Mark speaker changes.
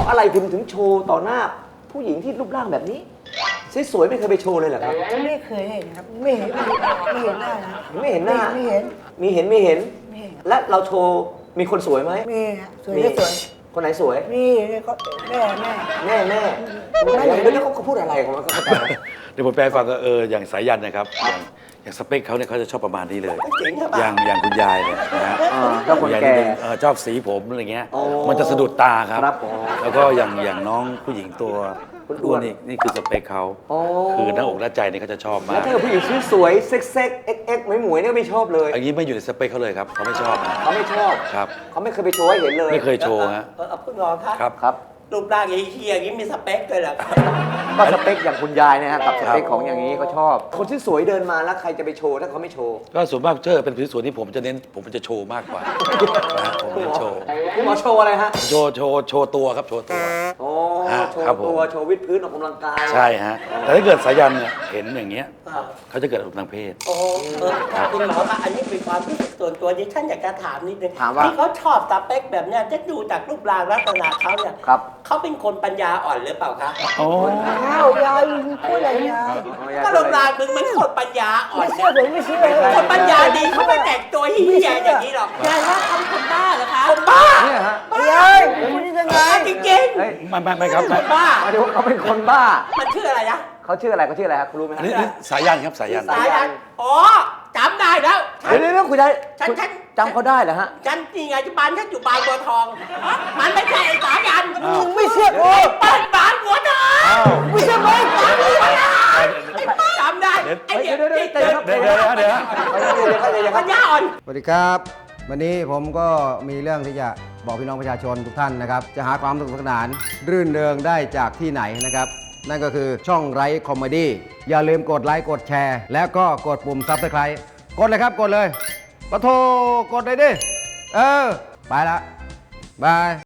Speaker 1: ะอะไรคุณถึงโชว์ต่อหน้าผู้หญิงที่รูปร่างแบบนี้สวยๆไม่เคยไปโชว์เลยเหรอครับ
Speaker 2: ไม่เคยเห็นครับไม่เห็นหน้านะ
Speaker 1: ไม่เห็นหน้า
Speaker 2: ไม่เห็น
Speaker 1: มีเห็นและเราโชว์มีคนสวยไหม
Speaker 2: มีสวยไม่สวย
Speaker 1: คนไหนสวย
Speaker 2: นี่ก็แม่
Speaker 1: แล้วเขาพูดอะไรของเขา
Speaker 3: เดี๋ยวผมแปลฟังก็อย่างสายันนะครับอย่างสเปคเขาเนี่ยเขาจะชอบประมาณนี้เลยอย่างคุณยายเนี่ยนะฮะ
Speaker 1: คุณยาย
Speaker 3: ชอบสีผมอะไรเงี้ยมันจะสะดุดตาครับแล้วก็อย่างน้องผู้หญิงตัวอ้วนนี่คือสเปคเขาคือหน้าอกหน้าใจนี่เขาจะชอบมาก
Speaker 1: แล้วถ้าผู้หญิงสวยเซ็กเอ็กหมวยเนี่ยไม่ชอบเลย
Speaker 3: อันนี้ไม่อยู่ในสเปคเขาเลยครับเขาไม่ชอบ
Speaker 1: เขาไม่ชอบ
Speaker 3: ครับ
Speaker 1: เขาไม่เคยไปโชว์ให้เห็นเลย
Speaker 3: ไม่เคยโชว์ฮะ
Speaker 4: คุณหมอ
Speaker 3: ครับ
Speaker 4: รูปร่างเฮียอย่างนี้มีสเปคเลยเหรอ
Speaker 1: ก็สเปคอย่างคุณยายนะฮะกับสเปคของอย่างนี้เขาชอบคนที่สวยเดินมาแล้วใครจะไปโชว์ถ้าเขาไม่โชว์
Speaker 3: ก็ส่วนมากเป็นส่วนที่ผมจะเน้นผมจะโชว์มากกว่าผมจะโชว์
Speaker 1: คุณหมอโชว์อะไรฮะ
Speaker 3: โชว์ตัวครับโชว์ตัว
Speaker 1: โชว์ตัวโชว์วิดพื้นออกกำลังกาย
Speaker 3: ใช่ฮะแต่ถ้าเกิดสายันเนี่ยเห็นอย่างเงี้ยเขาจะเกิดอารมณ์ทางเพศ
Speaker 4: คุณหมอคะอันนี้เป็นความรู้สึกส่วนตัวที่ท่านอยากจะถามนิดนึง
Speaker 1: ว่า
Speaker 4: ที่เขาชอบสเปคแบบเนี้ยจะดูจากรูปร่างลักษณะเขาเนี่ยเขาเป็นคนปัญญาอ่อนหรือเปล่าคะ
Speaker 3: โอ้
Speaker 2: ยายพูดอะไรยาย
Speaker 4: ก็รูปร่างมึงมันคนปัญญาอ่อน
Speaker 2: ไม่เชื่อ
Speaker 4: คนปัญญาดีเขาไม่แต่งตัวเฮียอย่างนี้หรอก
Speaker 5: ยายว่าเขาเป็นคนบ้าเหรอคะ
Speaker 4: คนบ้า
Speaker 1: เนี่ยฮะ
Speaker 2: ยายพูดยังไง
Speaker 4: จริง
Speaker 3: ไม่ครับ
Speaker 4: คนบ้า
Speaker 1: หมายถึงว่าเขาเป็นคนบ้า
Speaker 4: มันชื่ออะไรนะ
Speaker 1: เขาชื่ออะไรครับคุณรู้ไหม
Speaker 3: นี่สายันครับสายัน
Speaker 4: อ๋อจำได้แล้ว
Speaker 1: เดี๋ยวคุณได้จำเขาได้เหรอฮะ
Speaker 4: ฉันนี่ไงบ้านฉันอยู่บางบัวทองมันไม่ใช่ไอ้สายัน
Speaker 2: มึงไม่เชื่อกู
Speaker 4: เปิดบ้านบัวทอง
Speaker 2: ไม่เชื่อมึง
Speaker 4: จำได้ไอ้เดี๋ยวปัญญาอ่อน
Speaker 6: สวัสดีครับวันนี้ผมก็มีเรื่องที่จะบอกพี่น้องประชาชนทุกท่านนะครับจะหาความสนุกสนานรื่นเริงได้จากที่ไหนนะครับนั่นก็คือช่องไร้คอมเมดี้อย่าลืมกดไลค์กดแชร์แล้วก็กดปุ่มซับสไครต์กดเลยครับกดเลยปะโทกดเลยดิไปละบาย